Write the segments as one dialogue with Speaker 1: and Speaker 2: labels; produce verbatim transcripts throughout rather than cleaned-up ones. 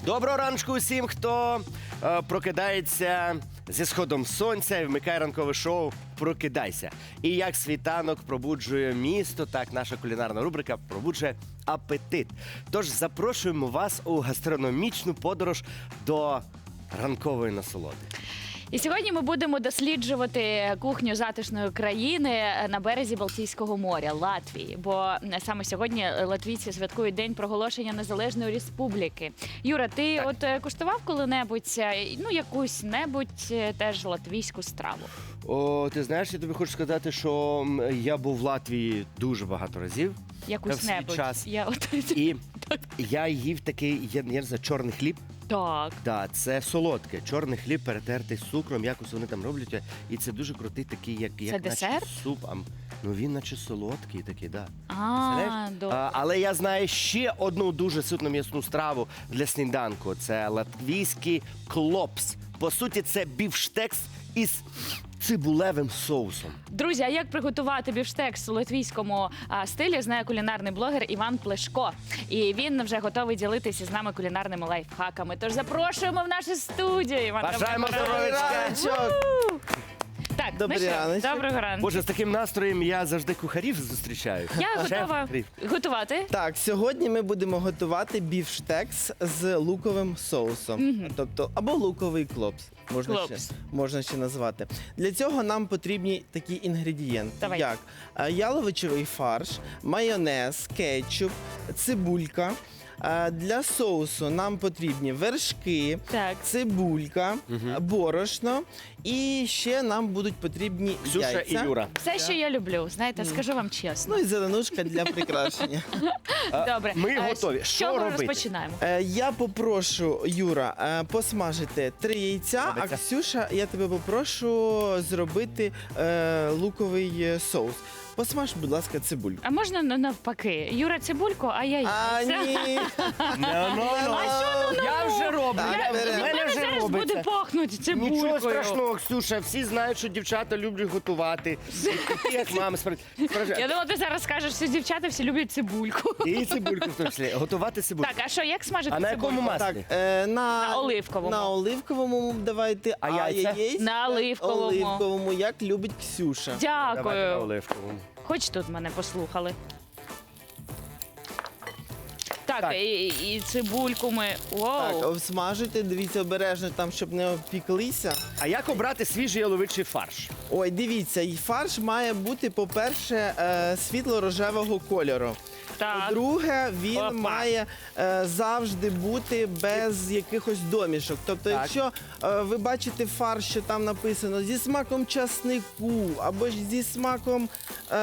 Speaker 1: Доброго ранку усім, хто е, прокидається зі сходом сонця і вмикає ранкове шоу «Прокидайся». І як світанок пробуджує місто, так наша кулінарна рубрика пробуджує апетит. Тож запрошуємо вас у гастрономічну подорож до ранкової насолоди.
Speaker 2: І сьогодні ми будемо досліджувати кухню затишної країни на березі Балтійського моря, Латвії. Бо саме сьогодні латвійці святкують День проголошення Незалежної Республіки. Юра, ти
Speaker 1: Так.
Speaker 2: от е, куштував коли-небудь, е, ну, якусь-небудь е, теж латвійську страву?
Speaker 1: О, ти знаєш, я тобі хочу сказати, що м, я був в Латвії дуже багато разів.
Speaker 2: Якусь-небудь.
Speaker 1: час.
Speaker 2: Я от...
Speaker 1: І я їв такий, я, я не знаю, чорний хліб.
Speaker 2: Так.
Speaker 1: Так, це солодке. Чорний хліб перетертий з цукром, якось вони там роблять. І це дуже крутий такий, як, як
Speaker 2: десерт?
Speaker 1: наче суп. А, ну він наче солодкий такий, так. Да.
Speaker 2: А, добре.
Speaker 1: А, але я знаю ще одну дуже ситну м'ясну страву для сніданку. Це латвійський клопс. По суті, це бівштекс із цибулевим соусом.
Speaker 2: Друзі, а як приготувати бівштекс у латвійському а, стилі, знає кулінарний блогер Іван Плешко. І він вже готовий ділитися з нами кулінарними лайфхаками. Тож запрошуємо в нашу студію. Іван,
Speaker 1: Бажаємо
Speaker 2: доброго ранку.
Speaker 1: здоров'ячка!
Speaker 2: Так,
Speaker 3: Добрий
Speaker 2: ну що,
Speaker 3: раночок.
Speaker 2: доброго ранку.
Speaker 1: Боже, з таким настроєм я завжди кухарів зустрічаю.
Speaker 2: Я
Speaker 1: Шеф
Speaker 2: готова
Speaker 1: кухарів.
Speaker 2: готувати.
Speaker 3: Так, сьогодні ми будемо готувати бівштекс з луковим соусом. Тобто, або луковий клопс. Можна ще,
Speaker 2: Клопс.
Speaker 3: можна ще назвати. Для цього нам потрібні такі інгредієнти,
Speaker 2: Давай.
Speaker 3: як е, яловичевий фарш, майонез, кетчуп, цибулька. Е, Для соусу нам потрібні вершки,
Speaker 2: Так.
Speaker 3: цибулька, борошно і ще нам будуть потрібні
Speaker 1: Ксюша
Speaker 3: яйця.
Speaker 1: і Юра.
Speaker 2: Все, що я люблю, знаєте, скажу вам чесно.
Speaker 3: Ну і зеленушка для прикрашення.
Speaker 2: Добре.
Speaker 1: ми
Speaker 2: Е,
Speaker 1: готові.
Speaker 2: З
Speaker 1: Що
Speaker 2: чого
Speaker 1: робити?
Speaker 2: розпочинаємо?
Speaker 3: Е, Я попрошу, Юра, е, посмажити три яйця, а
Speaker 1: Робиться.
Speaker 3: Ксюша, я тебе попрошу зробити е, луковий е, соус. Посмаж, будь ласка, цибульку.
Speaker 2: А можна на- навпаки? Юра цибульку, а я
Speaker 3: А,
Speaker 2: яйця.
Speaker 3: ні.
Speaker 1: Ну, ну, ну. Я вже роблю.
Speaker 3: Так,
Speaker 1: Я-
Speaker 3: беремо.
Speaker 1: в
Speaker 2: У
Speaker 1: мене
Speaker 2: мене
Speaker 1: вже
Speaker 2: зараз буде
Speaker 1: робиться.
Speaker 2: пахнути цибулькою.
Speaker 1: Нічого страшного, Ксюша. Всі знають, що дівчата люблять готувати. І ти, як мама, справді.
Speaker 2: Я думала, ти зараз скажеш, що дівчата всі люблять цибульку.
Speaker 1: І цибульку в тому числі. Готувати цибульку.
Speaker 2: Так, а що, як смажити
Speaker 1: А на
Speaker 2: цибульку?
Speaker 1: якому
Speaker 3: Так,
Speaker 1: маслі?
Speaker 3: е, на,
Speaker 2: На оливковому.
Speaker 3: На оливковому давайте,
Speaker 1: А яйця?
Speaker 3: яєць
Speaker 2: На оливковому.
Speaker 3: оливковому, як любить Ксюша.
Speaker 1: Давайте на
Speaker 2: Дякую.
Speaker 1: оливковому.
Speaker 2: Хоч тут мене послухали. Так,
Speaker 1: Так.
Speaker 2: І, і цибульку ми.
Speaker 3: Так,
Speaker 2: Воу.
Speaker 3: обсмажуйте, дивіться обережно там, щоб не обпіклися.
Speaker 1: А як обрати свіжий яловичий фарш?
Speaker 3: Ой, дивіться, і фарш має бути, по-перше, е, світло-рожевого кольору.
Speaker 2: Так.
Speaker 3: По-друге, він
Speaker 2: Опа.
Speaker 3: має е, завжди бути без якихось домішок. Тобто,
Speaker 1: Так.
Speaker 3: якщо е, ви бачите фарш, що там написано зі смаком часнику або ж зі смаком. Е,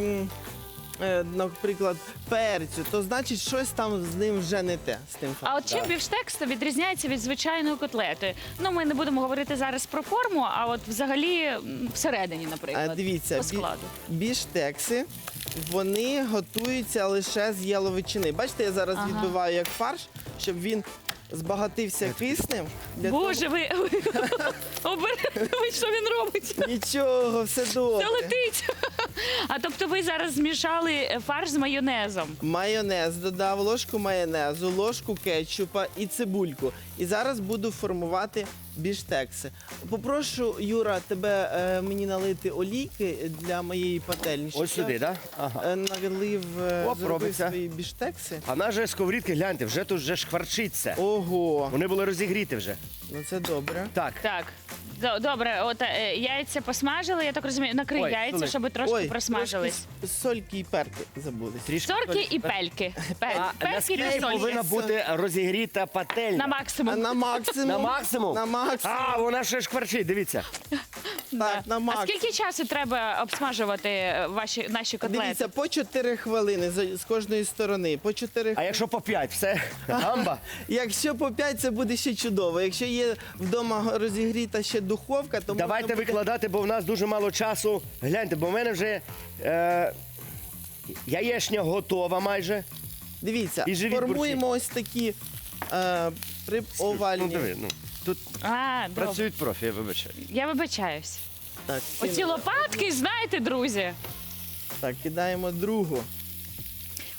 Speaker 3: е, Наприклад, перцю, то значить щось там з ним вже не те. З тим
Speaker 2: А
Speaker 3: фаршем.
Speaker 2: от чим бівштекс відрізняється від звичайної котлети? Ну, ми не будемо говорити зараз про форму, а от взагалі м, всередині,
Speaker 3: А,
Speaker 2: наприклад.
Speaker 3: дивіться,
Speaker 2: по
Speaker 3: бі-
Speaker 2: складу.
Speaker 3: біштекси, вони готуються лише з яловичини. Бачите, я зараз
Speaker 2: Ага.
Speaker 3: відбиваю як фарш, щоб він збагатився киснем. Для
Speaker 2: Боже, ви обережно, що він робить?
Speaker 3: того- Нічого, все добре.
Speaker 2: Це летить. А тобто ви зараз змішали фарш з майонезом.
Speaker 3: Майонез додав, ложку майонезу, ложку кетчупа і цибульку. І зараз буду формувати біштекси. Попрошу, Юра, тебе е, мені налити олійки для моєї пательні. щоб
Speaker 1: Ось сюди,
Speaker 3: я,
Speaker 1: так? Ага.
Speaker 3: е, Налив, е,
Speaker 1: Оп,
Speaker 3: зробив
Speaker 1: робиться.
Speaker 3: свої біштекси.
Speaker 1: А наже сковорідки, гляньте, вже тут вже шкварчиться.
Speaker 3: Ого,
Speaker 1: Вони були розігріти вже.
Speaker 3: ну це добре.
Speaker 1: Так.
Speaker 2: Так. До- Добре, от е, яйця посмажили, я так розумію, накрий
Speaker 1: Ой,
Speaker 2: яйця,
Speaker 1: Олег.
Speaker 2: щоб трошки
Speaker 3: Ой,
Speaker 2: просмажились.
Speaker 3: трошки с- сольки і перки забули.
Speaker 1: Трішки.
Speaker 2: Сорки і пельки. Пель-
Speaker 1: А
Speaker 2: Перки
Speaker 1: наскільки
Speaker 2: та сольки.
Speaker 1: повинна бути розігріта пательня?
Speaker 2: На
Speaker 3: А
Speaker 2: максимум.
Speaker 3: на максимум.
Speaker 1: На максимум?
Speaker 3: На максимум.
Speaker 1: А, вона ще шкварчить, дивіться.
Speaker 3: Так, на
Speaker 2: А
Speaker 3: максимум.
Speaker 2: скільки часу треба обсмажувати е, ваші наші котлети?
Speaker 3: Дивіться, по чотири хвилини з з кожної сторони. По чотири
Speaker 1: А
Speaker 3: хвилини.
Speaker 1: якщо по п'ять, все, гамба.
Speaker 3: Якщо по п'ять, це буде ще чудово. Якщо є вдома розігріта ще духовка, то
Speaker 1: Давайте
Speaker 3: можна буде...
Speaker 1: викладати, бо в нас дуже мало часу. Гляньте, бо в мене вже е, яєчня готова майже.
Speaker 3: Дивіться,
Speaker 1: І живі
Speaker 3: формуємо ось такі е, при овальні.
Speaker 1: Ну, диви, ну, тут
Speaker 2: А, добре.
Speaker 1: працюють профі, я вибачаю.
Speaker 2: Я вибачаюсь.
Speaker 3: Так,
Speaker 2: Оці
Speaker 3: кинули.
Speaker 2: лопатки, знаєте, друзі.
Speaker 3: Так, кидаємо другу.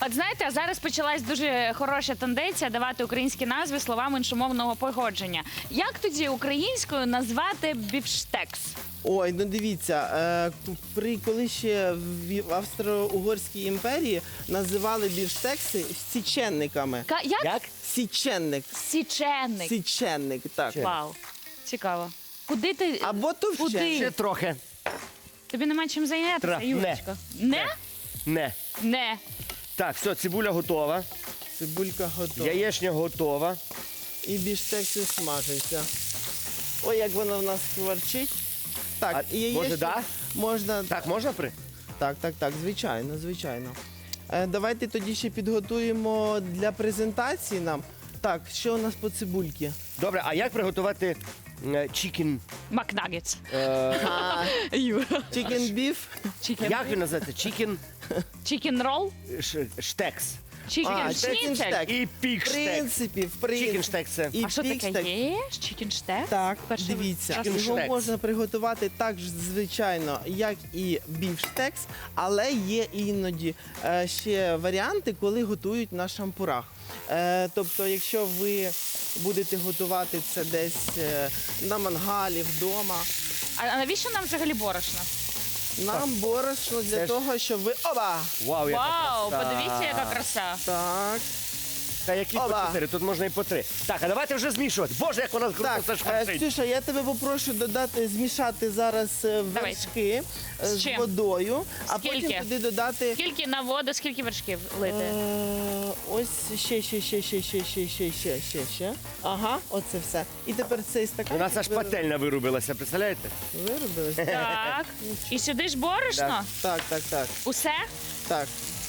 Speaker 2: От знаєте, зараз почалась дуже хороша тенденція давати українські назви словам іншомовного походження. Як тоді українською назвати бівштекс?
Speaker 3: Ой, ну дивіться, е, при коли ще в Австро-Угорській імперії називали бівштекси січенниками.
Speaker 2: Ка- як?
Speaker 1: Як?
Speaker 3: Січенник.
Speaker 2: Січенник.
Speaker 3: Січенник, так.
Speaker 2: Вау. Цікаво. Куди ти?
Speaker 3: Або
Speaker 2: Куди?
Speaker 1: Ще
Speaker 3: товщеник.
Speaker 1: трохи.
Speaker 2: Тобі нема чим зайнятися,
Speaker 1: Тра-
Speaker 2: Юрочко? Не?
Speaker 1: Не.
Speaker 2: Не.
Speaker 1: Так, все, цибуля готова.
Speaker 3: Цибулька готова.
Speaker 1: Яєчня готова.
Speaker 3: І бівштекси смажаться. Ой, як воно в нас кварчить. Так,
Speaker 1: А,
Speaker 3: і яєчню
Speaker 1: може, да?
Speaker 3: можна.
Speaker 1: Так, можна при?
Speaker 3: Так, так, так, звичайно, звичайно. Е, давайте тоді ще підготуємо для презентації нам. Так, що у нас по цибульці?
Speaker 1: Добре, а як приготувати чікін?
Speaker 2: Макнагетс.
Speaker 3: А,
Speaker 2: Юра.
Speaker 3: chicken beef.
Speaker 2: Чікен.
Speaker 1: Як він називається? Чікін
Speaker 2: Чікен рол?
Speaker 1: штекс.
Speaker 2: Чікен
Speaker 3: А,
Speaker 2: шніцель?
Speaker 3: chicken штек.
Speaker 1: І
Speaker 3: В
Speaker 1: пік-штекс.
Speaker 3: принципі, в принципі.
Speaker 1: Чікін штекс це.
Speaker 3: І
Speaker 2: А що
Speaker 3: пікстек.
Speaker 2: таке є? Чікен штек?
Speaker 3: Так,
Speaker 2: Перший
Speaker 3: дивіться,
Speaker 2: раз
Speaker 3: його
Speaker 1: Чікін-штекс.
Speaker 3: можна приготувати так ж, звичайно, як і бівштекс, але є іноді е, ще варіанти, коли готують на шампурах. Е, тобто, якщо ви будете готувати це десь е, на мангалі, вдома,
Speaker 2: А а навіщо нам взагалі борошно?
Speaker 3: нам борошно для
Speaker 1: Це ж-
Speaker 3: того, щоб ви. Оба!
Speaker 1: Вау, яка
Speaker 2: Вау,
Speaker 1: краса.
Speaker 2: подивіться, яка краса.
Speaker 3: Так.
Speaker 1: Та які по
Speaker 3: Оба.
Speaker 1: чотири, тут можна і по три. Так, а давайте вже змішувати. Боже, як вона круто
Speaker 3: Так,
Speaker 1: все
Speaker 3: е,
Speaker 1: шкварчить.
Speaker 3: Ксюша, я тебе попрошу додати, змішати зараз е,
Speaker 2: Давайте.
Speaker 3: вершки е,
Speaker 2: З
Speaker 3: з
Speaker 2: чим?
Speaker 3: водою, а
Speaker 2: Скільки?
Speaker 3: потім туди додати.
Speaker 2: Скільки на воду, скільки вершків лити?
Speaker 3: Е, Ось ще, ще, ще, ще, ще, ще, ще, ще, ще, ще. Ага, оце все. І тепер цей стакан.
Speaker 1: У нас аж пательня вирубилася, представляєте?
Speaker 3: Виробилось?
Speaker 2: Так. І сюди ж борошно?
Speaker 3: Так, так, так,
Speaker 2: Усе?
Speaker 3: так.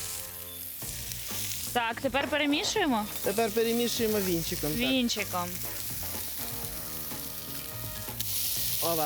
Speaker 2: Так, тепер перемішуємо
Speaker 3: Тепер перемішуємо вінчиком. Так.
Speaker 2: вінчиком.
Speaker 3: Ова.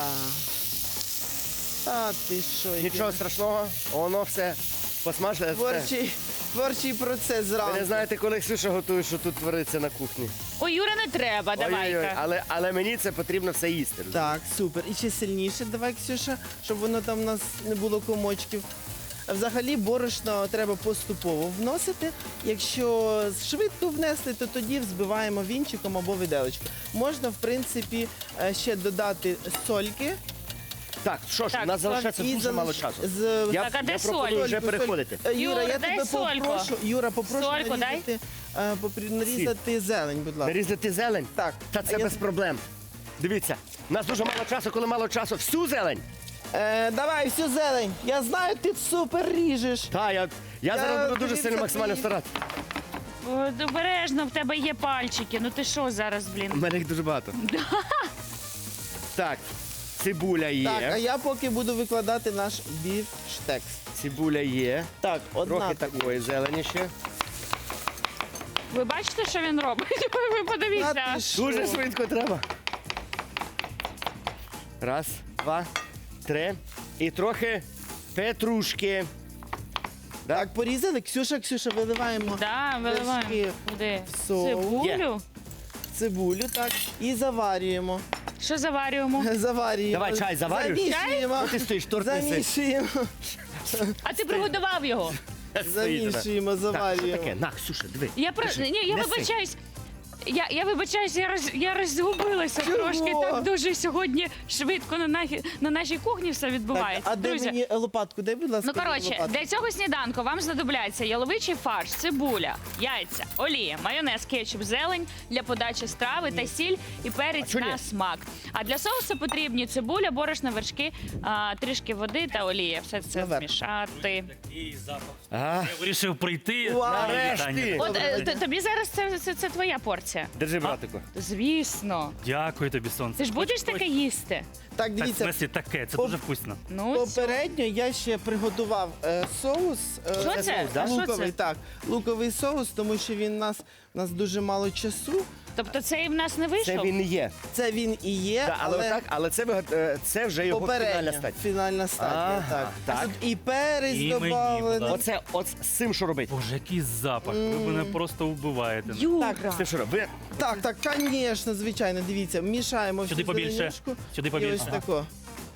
Speaker 3: Та ти що? який
Speaker 1: Нічого страшного, воно все посмажилося.
Speaker 3: Творчий, творчий процес
Speaker 1: Ви
Speaker 3: зранку.
Speaker 1: не знаєте, коли Ксюша готує, що тут твориться на кухні.
Speaker 2: Ой, Юра, не треба,
Speaker 1: Ой-ой-ой,
Speaker 2: давайте.
Speaker 1: але, але мені це потрібно все їсти.
Speaker 3: Так, супер. І ще сильніше давай, Ксюша, щоб воно там у нас не було комочків. Взагалі борошно треба поступово вносити. Якщо швидко внесли, то тоді взбиваємо вінчиком або виделочкою. Можна, в принципі, е, ще додати сольки.
Speaker 1: Так, що ж,
Speaker 2: Так,
Speaker 1: у нас залишається
Speaker 3: і
Speaker 1: дуже
Speaker 3: залиш-
Speaker 1: мало часу.
Speaker 3: з-
Speaker 1: Я,
Speaker 2: Так, а де
Speaker 1: я пропоную
Speaker 2: соль?
Speaker 1: вже
Speaker 3: Сольку,
Speaker 1: переходити.
Speaker 3: Е, Юра,
Speaker 2: Юр,
Speaker 3: я
Speaker 2: дай
Speaker 3: тебе
Speaker 2: сольку.
Speaker 3: попрошу, Юра, попрошу
Speaker 2: Сольку дай.
Speaker 3: нарізати, е, попри- нарізати зелень, будь ласка.
Speaker 1: Нарізати зелень?
Speaker 3: Так.
Speaker 1: Та це
Speaker 3: А я-
Speaker 1: без проблем. Дивіться, у нас дуже мало часу, коли мало часу. Всю зелень.
Speaker 3: Е, давай, всю зелень. Я знаю, ти супер ріжеш.
Speaker 1: Та, я, я,
Speaker 3: Я
Speaker 1: зараз буду дуже
Speaker 3: дивіться,
Speaker 1: сильно максимально
Speaker 3: ти-
Speaker 1: старатися.
Speaker 2: О, Обережно, в тебе є пальчики. Ну ти що зараз,
Speaker 1: У
Speaker 2: блін?
Speaker 1: мене їх дуже багато. Так, цибуля є.
Speaker 3: Так, а я поки буду викладати наш бівштекс.
Speaker 1: Цибуля є.
Speaker 3: Так, одна.
Speaker 1: Трохи такої зелені ще.
Speaker 2: Ви бачите, що він робить? Ви
Speaker 3: Та
Speaker 2: подивіться.
Speaker 3: ти що?
Speaker 1: Дуже швидко треба. Раз, два, три. І трохи петрушки.
Speaker 3: Так, порізали. Ксюша, Ксюша, виливаємо
Speaker 2: Да, виливаємо.
Speaker 3: вершки
Speaker 2: Куди?
Speaker 3: в соус.
Speaker 2: Цибулю?
Speaker 3: цибулю, так, і заварюємо.
Speaker 2: Що заварюємо?
Speaker 3: Заварюємо.
Speaker 1: Давай, чай заварюєш?
Speaker 3: Замішуємо.
Speaker 1: Ну, ти стоїш, торт неси.
Speaker 3: Замішуємо.
Speaker 2: А ти приготував його?
Speaker 3: Замішуємо,
Speaker 1: Так, що
Speaker 3: заварюємо.
Speaker 1: таке? На, Ксюша, диви.
Speaker 2: Я про
Speaker 1: Кажи,
Speaker 2: ні, я
Speaker 1: неси.
Speaker 2: вибачаюсь. Я, я вибачаюсь, я роз я розгубилася
Speaker 3: Чого?
Speaker 2: трошки. Так дуже сьогодні швидко на нашій на нашій кухні все
Speaker 3: Так,
Speaker 2: відбувається.
Speaker 3: а де
Speaker 2: Друзі.
Speaker 3: мені лопатку? Дай, будь ласка,
Speaker 2: Ну коротше,
Speaker 3: лопатку.
Speaker 2: для цього сніданку вам знадобляться яловичий фарш, цибуля, яйця, олія, майонез, кетчуп, зелень для подачі страви та сіль і перець
Speaker 1: А чого ні?
Speaker 2: на смак. А для соусу потрібні цибуля, борошно, вершки, а, трішки води та олія. Все це
Speaker 3: Наверх.
Speaker 2: змішати.
Speaker 4: І запах.
Speaker 1: Ага.
Speaker 4: Я вирішив прийти.
Speaker 3: Вау.
Speaker 4: на
Speaker 1: Нарешті.
Speaker 4: вітання.
Speaker 2: От е, т- тобі зараз це, це, це твоя порція.
Speaker 1: Держи, братику.
Speaker 2: Звісно.
Speaker 4: Дякую тобі, сонце.
Speaker 2: Ти ж будеш таке їсти?
Speaker 3: Так,
Speaker 4: Так, в
Speaker 3: дивіться,
Speaker 4: смислі таке, це
Speaker 3: По-
Speaker 4: дуже вкусно.
Speaker 2: Ну,
Speaker 3: попередньо я ще приготував е, соус. е,
Speaker 2: Що це?
Speaker 1: соус, да?
Speaker 2: А що
Speaker 3: Луковий,
Speaker 2: це?
Speaker 3: так. Луковий соус, тому що він у нас, у нас дуже мало часу.
Speaker 2: Тобто цей в нас не
Speaker 1: Це
Speaker 2: вийшов?
Speaker 1: він і є.
Speaker 3: Це він і є,
Speaker 1: Так, але,
Speaker 3: але,
Speaker 1: так, але це, ви- е, це вже його
Speaker 3: попередня
Speaker 1: фінальна стадія.
Speaker 3: фінальна стадія.
Speaker 1: Ага,
Speaker 3: так.
Speaker 1: так.
Speaker 3: Тут і перець
Speaker 4: І мені,
Speaker 3: додавлений.
Speaker 4: будь
Speaker 1: Оце, от з цим що робити?
Speaker 4: Боже, який запах. Ви мене просто вбиваєте.
Speaker 2: Юра.
Speaker 3: Так,
Speaker 1: З цим що робити?
Speaker 3: Так, так, звісно, звичайно, дивіться, мішаємо
Speaker 4: Сюди
Speaker 3: всю
Speaker 4: побільше.
Speaker 3: зеленюшку.
Speaker 4: Сюди
Speaker 3: І
Speaker 4: побільше.
Speaker 3: ось
Speaker 4: Ага.
Speaker 3: тако.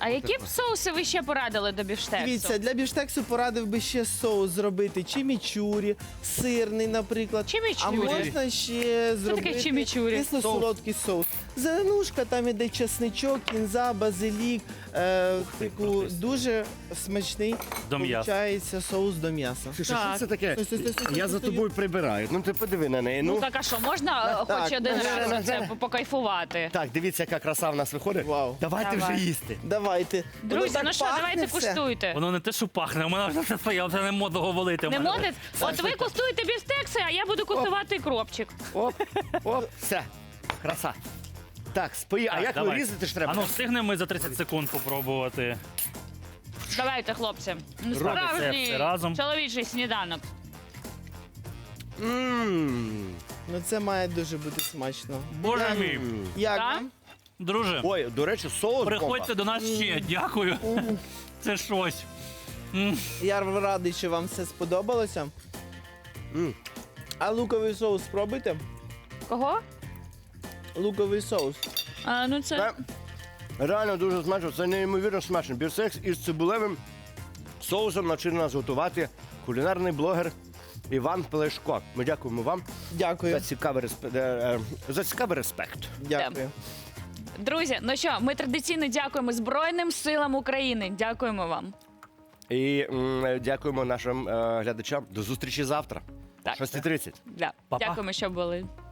Speaker 2: А які б соуси ви ще порадили до бівштексу?
Speaker 3: Дивіться, для бівштексу порадив би ще соус зробити чимічурі, сирний, наприклад.
Speaker 2: Чимічурі?
Speaker 3: А можна ще зробити
Speaker 2: таке чимічурі?
Speaker 3: кисло-солодкий соус. Зеленушка, там іде чесничок, кінза, базилік. Е, типу, дуже смачний
Speaker 4: До м'яса.
Speaker 3: получається соус до м'яса.
Speaker 1: Ти що,
Speaker 2: Так.
Speaker 1: що це таке?
Speaker 3: Стой, стой, стой, стой,
Speaker 1: Я
Speaker 3: стой,
Speaker 1: за
Speaker 3: стой.
Speaker 1: тобою прибираю. Ну ти подиви на неї.
Speaker 2: Ну
Speaker 1: Ну.
Speaker 2: так, а що, можна е,
Speaker 3: Так,
Speaker 2: хоч
Speaker 3: так.
Speaker 2: один
Speaker 1: Ага,
Speaker 2: раз за
Speaker 1: ага.
Speaker 2: це покайфувати?
Speaker 1: Так, дивіться, яка краса в нас виходить.
Speaker 3: Вау.
Speaker 1: Давайте
Speaker 2: Давай.
Speaker 1: вже їсти.
Speaker 3: Давайте. Воно
Speaker 2: Друзі,
Speaker 3: так
Speaker 2: ну що,
Speaker 3: пахне
Speaker 2: давайте
Speaker 3: все.
Speaker 2: куштуйте.
Speaker 4: Воно не те, що пахне, у мене вже все своє, вже не можу говорити.
Speaker 2: Не молодець? От ви куштуєте бівштекси, а я буду куштувати кропчик.
Speaker 1: Оп, оп, все. Краса. Так, спої. А як ви різати ж треба?
Speaker 4: А ну встигнемо ми за тридцять секунд попробувати.
Speaker 2: Давайте, хлопці. Ну,
Speaker 4: Робимо це
Speaker 2: Справжній
Speaker 4: все разом.
Speaker 2: чоловічий сніданок.
Speaker 1: Мм.
Speaker 3: Ну це має дуже бути смачно.
Speaker 4: Боже мій.
Speaker 3: Як
Speaker 2: Так?
Speaker 3: вам?
Speaker 4: Друже,
Speaker 1: Ой, до речі, соус.
Speaker 4: приходьте до нас ще. Дякую. Це щось. М.
Speaker 3: Я радий, що вам все сподобалося.
Speaker 1: М.
Speaker 3: А луковий соус спробуйте?
Speaker 2: Кого?
Speaker 3: Луковий соус.
Speaker 2: А, ну це...
Speaker 1: Це реально дуже смачно. Це неймовірно смачно. Бівштекс із цибулевим соусом навчив нас готувати кулінарний блогер Іван Плешко. Ми дякуємо вам
Speaker 3: Дякую.
Speaker 1: за цікавий респект. За цікавий респект.
Speaker 3: Дякую.
Speaker 2: Друзі, ну що, ми традиційно дякуємо Збройним силам України. Дякуємо вам.
Speaker 1: І м, дякуємо нашим е, глядачам. До зустрічі завтра.
Speaker 2: Так.
Speaker 1: шоста тридцять.
Speaker 2: Да.
Speaker 4: Па-па.
Speaker 2: Дякуємо, що були.